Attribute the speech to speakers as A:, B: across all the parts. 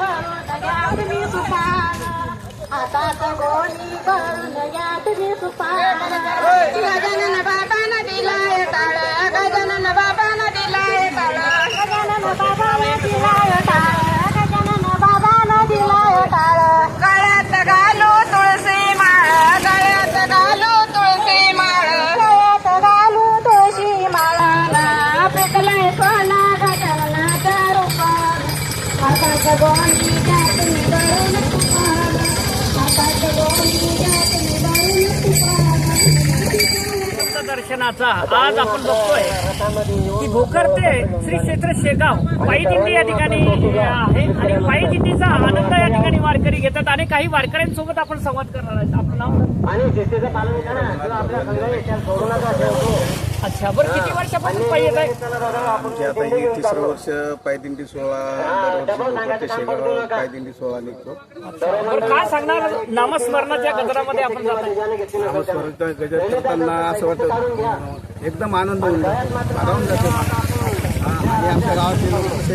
A: भरून घ्या तुम्ही सुपान हातात गोणी भरून घ्या तुम्ही सुपान गजानन बाबांना दिलाय टाळ गजानन बाबांना दिलाय टाळ गजानन बाबांना दिलाय टाळ गजानन बाबांना दिलाय टाळ गळ्यात घालू तुळशी माळ गळ्यात घालू तुळशी माळ गळ्यात घालू तुळशी माळाला पेटलाय सोना गजाननाचा रूपान हातात गोणी घ्या तुम्ही भरून सुपान हातात गोणी घ्या तुम्ही भरून सुपान
B: दर्शनाचा आज आपण बघतोय की भोकर ते श्री क्षेत्र शेगाव पायी दिंडी या ठिकाणी आहे आणि पायी दिंडीचा आनंद या ठिकाणी वारकरी घेतात आणि काही वारकऱ्यांसोबत आपण संवाद करणार आहोत. आपलं नाव
C: आणि शिस्तीचं पालन करा किंवा आपल्या संघाने सोडू नका ठेवतो.
B: अच्छा बरं किती वर्षापासून पायी येत आहे?
D: आमची आता ही तिसरं वर्ष पायदिंडी सोहळा दरवर्षी भोकर ते शेगाव पायदिंडी सोहळा निघतो.
B: बरं काय सांगणार नामस्मरणाच्या गजरामध्ये आपण जात आहे?
D: नामस्मरणाचा गजर करताना असं वाटतं एकदम आनंद होऊन जातो, भारावून जातो. आणि आमच्या गावातील लोक असे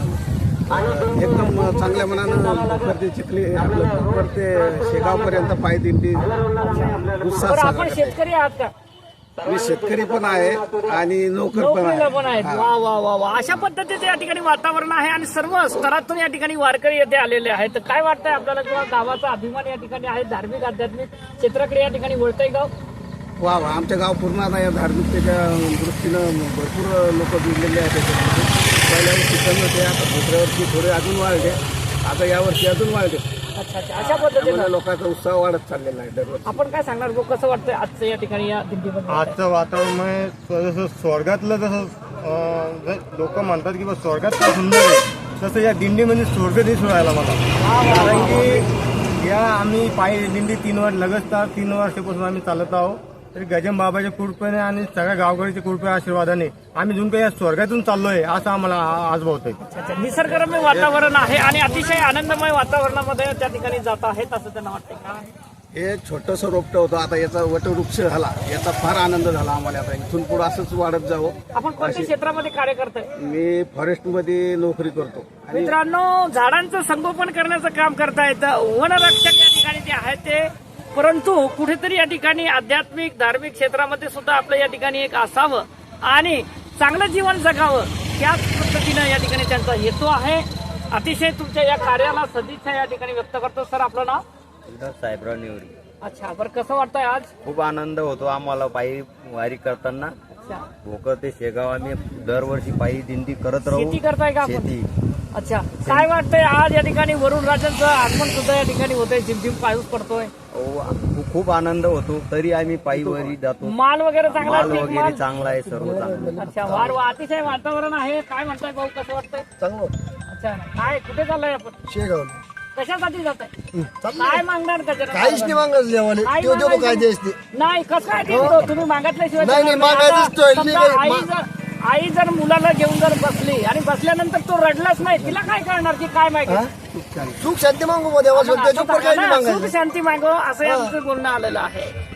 D: एकदम चांगल्या मनानं भोकर ते चिखली आपलं भोकर ते शेगावपर्यंत पायदिंडी उत्साह
B: बरं आपण
D: साजरा
B: शेतकरी आहात का?
D: करतात. मी शेतकरी पण आहे आणि नोकर पण
B: नोकरीला पण
D: आहे.
B: आहेत. वा वा वा वा अशा पद्धतीचे या ठिकाणी वातावरण आहे आणि सर्व स्तरातून या ठिकाणी वारकरी येथे आलेले आहेत. तर काय वाटतंय आपल्याला किंवा गावाचा अभिमान या ठिकाणी आहे, धार्मिक आध्यात्मिक क्षेत्राकडे या ठिकाणी वळतंय गाव?
D: वा वा आमच्या गाव पूर्ण आता या धार्मिकतेच्या दृष्टीनं भरपूर लोक जुळलेले आहेत त्याच्यामध्ये. पहिल्या वर्षी कमी होते, आता दुसऱ्या वर्षी थोडे अजून वाढले, आता यावर्षी अजून वाढले.
B: अच्छा अच्छा अशा पद्धतीने
D: त्यामुळे लोकांचा उत्साह वाढत चाललेला आहे दरवर्षी.
B: आपण काय सांगणार भाऊ, कसं वाटतंय आजचं या ठिकाणी या दिंडीमध्ये?
E: आजचं वातावरण म्हणजे जसं स्वर्गातलं जसं लोक म्हणतात की बा स्वर्गात काय सुंदर आहे, तसं या दिंडीमध्ये स्वर्ग दिसून राहिला मला. कारण की या आम्ही पायी दिंडी 3 वर्षापासून आम्ही चालत आहोत. तरी गजम बाबाच्या कृपेने आणि सगळ्या गावकऱ्याच्या कृपे आशीर्वादाने आम्ही जून काही या स्वर्गातून चाललोय असं आम्हाला आज भावतंय.
B: अच्छा निसर्गरम्य वातावरण आहे आणि अतिशय आनंदमय वातावरणामध्ये त्या ठिकाणी जात आहेत असं त्यांना वाटतंय का?
D: हे छोटंसं रोपटं होतं, आता याचा वटवृक्ष झाला, याचा फार आनंद झाला आम्हाला. आता इथून पुढे असंच वाढत जावं.
B: आपण कोणत्या क्षेत्रामध्ये कार्य करताय?
D: मी फॉरेस्टमध्ये नोकरी करतो आणि
B: मित्रांनो झाडांचं संगोपन करण्याचं काम करतायत वनरक्षक या ठिकाणी जे आहेत ते, परंतु कुठेतरी या ठिकाणी आध्यात्मिक धार्मिक क्षेत्रामध्ये सुद्धा आपलं या ठिकाणी एक असावं आणि चांगलं जीवन जगावं त्याच पद्धतीनं या ठिकाणी त्यांचा हेतू आहे. अतिशय तुमच्या या कार्याला सदिच्छा या ठिकाणी व्यक्त करतो. सर आपलं नाव?
C: साहेबराव नेवरी.
B: अच्छा बरं कसं वाटतंय आज?
C: खूप आनंद होतो आम्हाला पायी वारी करताना.
B: अच्छा
C: भोकर ते शेगाव आम्ही दरवर्षी पायी दिंडी करत राहू.
B: शेती करताय का आपण?
C: शेती.
B: अच्छा काय वाटतंय आज या ठिकाणी वरुण राजांचं आगमन सुद्धा या ठिकाणी होतंय, झिमझिम पाऊस पडतोय,
C: खूप आनंद होतो. तरी आम्ही पायी वारी जातो.
B: माल वगैरे चांगला
C: माल
B: आहे, पीक
C: वगैरे
B: माल?
C: चांगला आहे, सर्व चांगलं.
B: अच्छा वार वा अतिशय वातावरण आहे. काय म्हणताय भाऊ, कसं वाटतंय?
D: चांगलं
B: अच्छा काय कुठे चाललाय आपण?
D: शेगाव
B: कशासाठी जात आहे? काय मागणार त्याच्यात?
D: काहीच नाही मागणार जेवणे
B: काय
D: तो देतो
B: मागायचं?
D: काय देस ते.
B: नाही कसं काय देतो? तुम्ही मागितल्याशिवाय
D: नाही, नाही,
B: देणार
D: मागायचंच
B: आता
D: तो.
B: समजा आई जर मुलाला घेऊन जर बसली आणि बसल्यानंतर तो रडलाच नाही, तिला काय करणार की काय माहिती?
D: सुख शांती मागू देवा, त्याच्या काही नाही
B: सुख
D: मागायचं.
B: शांती मागो असं आमचं बोलणं आलेलं आहे.